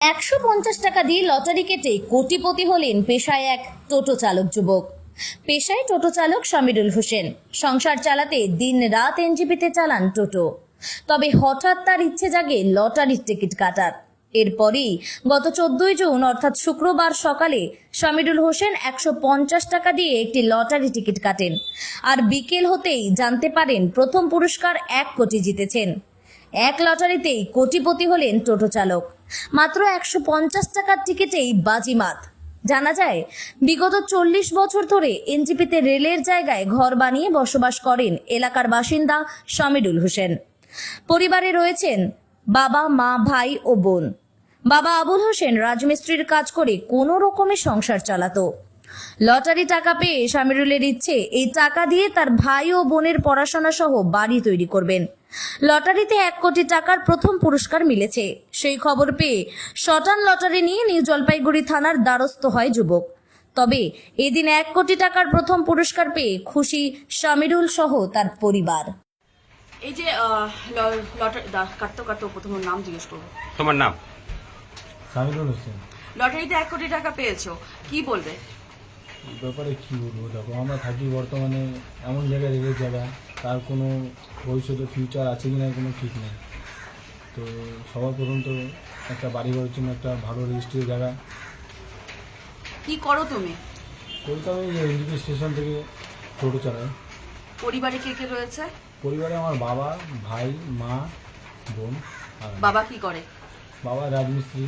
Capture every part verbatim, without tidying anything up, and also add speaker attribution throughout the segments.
Speaker 1: একশো পঞ্চাশ টাকা দিয়ে লটারি কেটে কোটিপতি হলেন পেশায় এক টোটো চালক যুবক। পেশায় টোটো চালক শামিরুল হোসেন সংসার চালাতে দিন রাত এনজিপিতে চালান টোটো। তবে হঠাৎ তার ইচ্ছে জাগে লটারির টিকিট কাটার। এরপরেই গত চোদ্দই জুন অর্থাৎ শুক্রবার সকালে শামিরুল হোসেন একশো পঞ্চাশ টাকা দিয়ে একটি লটারি টিকিট কাটেন। আর বিকেল হতেই জানতে পারেন প্রথম পুরস্কার এক কোটি জিতেছেন। এক লটারিতেই কোটিপতি হলেন টোটো চালক। মাত্র একশো পঞ্চাশ টাকার টিকিটেই বাজিমাত। জানা যায়, বিগত চল্লিশ বছর ধরে এনজিপিতে রেলের জায়গায় ঘর বানিয়ে বসবাস করেন এলাকার বাসিন্দা শামিরুল হোসেন। পরিবারে রয়েছেন বাবা, মা, ভাই ও বোন। বাবা আবুল হোসেন রাজমিস্ত্রির কাজ করে কোনো রকমে সংসার চালাতো। লটারি টাকা পেয়ে শামিরুলের ইচ্ছে এই টাকা দিয়ে তার ভাই ও বোনের পড়াশোনা সহ বাড়ি তৈরি করবেন। লটারিতে এক কোটি টাকার প্রথম পুরস্কার মিলেছে। সেই খবর পেয়ে শটান লটারি নিয়ে নিউ জলপাইগুড়ি থানার দ্বারস্থ হয় যুবক। তবে এদিন এক কোটি টাকার প্রথম পুরস্কার পেয়ে খুশি শামিরুল সহ তার পরিবার।
Speaker 2: এই যে লটারি কাটতে কাটতে প্রথম নাম জিজ্ঞেস করবো।
Speaker 3: তোমার নাম?
Speaker 4: শামিরুল হোসেন।
Speaker 2: লটারিতে এক কোটি টাকা পেয়েছো, কি বলবে?
Speaker 4: এই ব্যাপারে কী বলবো, দেখো আমরা থাকি বর্তমানে এমন জায়গায়, রেলের জায়গা, তার কোনো ভবিষ্যতে ফিউচার আছে কি না কোনো ঠিক নেই। তো সবার প্রথম তো একটা বাড়ি ঘরের জন্য একটা ভালো রেজিস্ট্রির জায়গা।
Speaker 2: কি করো তুমি?
Speaker 4: কলকাতা এনজিপি স্টেশন থেকে টোটো চালাই।
Speaker 2: পরিবারে কে কে রয়েছে?
Speaker 4: পরিবারে আমার বাবা, ভাই, মা, বোন আর আমি।
Speaker 2: বাবা কি করে?
Speaker 4: বাবা রাজমিস্ত্রি।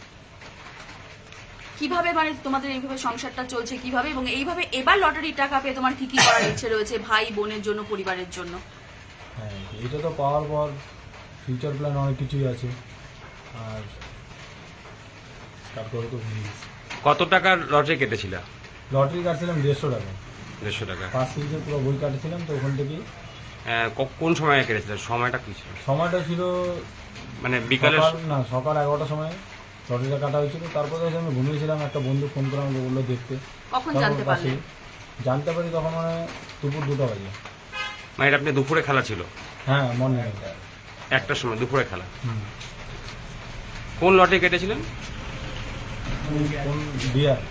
Speaker 2: কিভাবে মানে তোমাদের এইভাবে সংসারটা চলছে কিভাবে, এবং এইভাবে এবার লটারির টাকা পেয়ে তোমার কি কি করার ইচ্ছে রয়েছে ভাই বোনের জন্য, পরিবারের জন্য?
Speaker 4: হ্যাঁ, এটা তো পাওয়ার পর ফিউচার প্ল্যান অনেক কিছুই আছে। আর তারপরে তো ভুলে গেছি।
Speaker 3: কত টাকার লটারি কেটেছিল?
Speaker 4: লটারি কাটছিলাম দেড়শো টাকা।
Speaker 3: দেড়শো টাকা।
Speaker 4: পাঁচ সিরিজের পুরো বই কাটছিলাম, তো ওখান থেকেই।
Speaker 3: আহ, ক- কোন সময় কেটেছিল? সময়টা কি ছিল?
Speaker 4: সময়টা ছিল
Speaker 3: মানে বিকালে?
Speaker 4: সকাল না সকাল এগারোটার সময় লটারিটা কাটা হয়েছিল। তারপরে হচ্ছে আমি ঘুমিয়েছিলাম, একটা বন্ধু ফোন করে আমাকে বললো দেখতে।
Speaker 2: কখন
Speaker 4: তারপর
Speaker 2: জানতে পারলে?
Speaker 4: পাশেই জানতে পারি তখন মানে দুপুর দুটো বাজে।
Speaker 3: মানে এটা আপনি দুপুরে খেলা ছিল?
Speaker 4: হ্যাঁ, মর্নিং।
Speaker 3: একটার সময় দুপুরে খেলা।
Speaker 4: হুম।
Speaker 3: কোন লটারি কেটেছিলেন?
Speaker 4: কোন বিয়ার।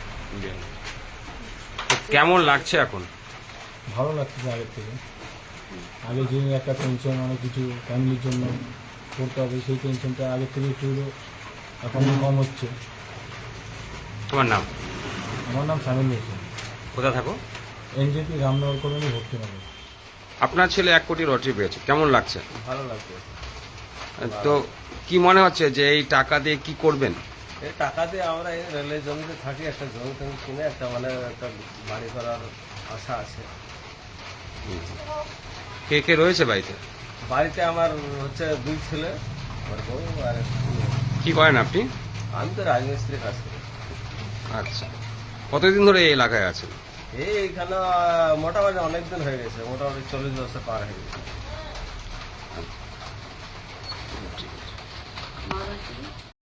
Speaker 3: তো কেমন লাগছে এখন?
Speaker 4: ভালো লাগছে আগের থেকে। আগে যে একটা টেনশন, অনেক কিছু ফ্যামিলির জন্য করতে হবে, সেই টেনশনটা আগের থেকে একটু এখন কম হচ্ছে।
Speaker 3: তোমার নাম?
Speaker 4: আমার নাম শামিল হোসেন।
Speaker 3: কোথা থাকো?
Speaker 4: এনজেপি রামনগর কলোনি ভর্তি হবে।
Speaker 3: আপনার ছেলে এক কোটি লটারি পেয়েছে, কেমন লাগছে?
Speaker 5: ভালো লাগছে।
Speaker 3: তো কি মনে হচ্ছে যে এই টাকা দিয়ে কি করবেন?
Speaker 5: এই টাকা দিয়ে আমরা এই রেলের জমিতে থাকি, একটা জমি টমি কিনে একটা মানে একটা বাড়ি করার আশা আছে।
Speaker 3: কে কে রয়েছে বাড়িতে?
Speaker 5: বাড়িতে আমার হচ্ছে দুই ছেলে, আমার বউ আর একটা মেয়ে।
Speaker 3: কি করেন আপনি?
Speaker 5: আমি তো রাজমিস্ত্রির কাজ করি।
Speaker 3: আচ্ছা, কতদিন ধরে এই এলাকায় আছেন?
Speaker 5: এই এইখানে মোটামুটি অনেক দিন হয়ে গেছে, মোটামুটি চল্লিশ বছর পার হয়ে গেছে।
Speaker 2: মা বাবা কি?